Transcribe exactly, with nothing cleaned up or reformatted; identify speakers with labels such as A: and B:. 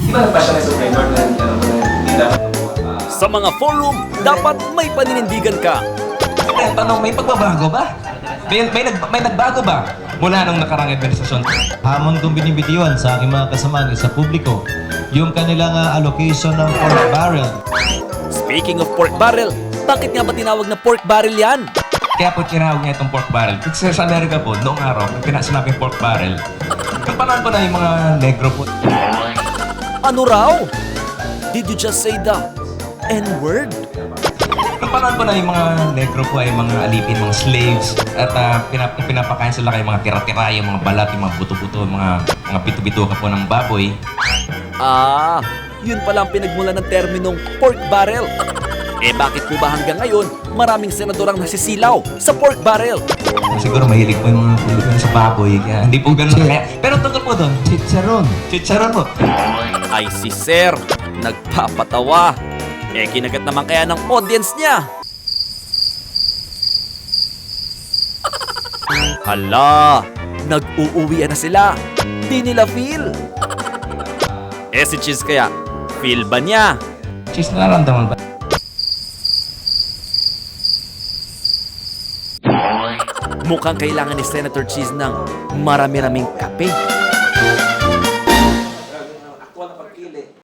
A: Di ba nagpa siya ng Supreme Court na ano mo na hindi dapat uh,
B: Sa mga forum, dapat may paninindigan ka.
A: Ang tanong, may pagbabago ba? May, may, nag, may nagbago ba mula nung nakarang administrasyon?
C: Hamon kong binibitiwan sa aking mga kasamahan sa publiko yung kanilang uh, allocation ng pork barrel.
B: Speaking of pork barrel, bakit nga ba tinawag na pork barrel yan?
A: Kaya po tinawag niya itong pork barrel. Kasi sa Amerika po, noong araw, pag pinasinabing pork barrel, yung panahon po na yung mga negro po.
B: Ano raw? Did you just say the N-word?
A: Yung panahon po na yung mga negro po ay mga alipin, mga slaves, at uh, pinap pinapakain sila kay mga tira-tira, yung mga balat, yung mga buto-buto, yung mga, mga pito-bituka po ng baboy.
B: Ah, yun pala ang pinagmula ng terminong pork barrel. Eh bakit po ba hanggang ngayon maraming senador ang nasisilaw sa pork barrel?
A: Siguro mahilig po yung mga Pilipino sa baboy, kaya hindi po ganun kaya. Pero tungkol po doon, chicharon. Chicharon po.
B: Ay si Sir, nagpapatawa. Eh kinagat naman kaya ng audience niya. Hala, nag-uuwian na sila. Di nila feel. Eh si Cheese kaya, feel ba niya?
A: Cheese, nararamdaman ba?
B: Mukhang kailangan ni Senator Cheese ng marami-raming kape.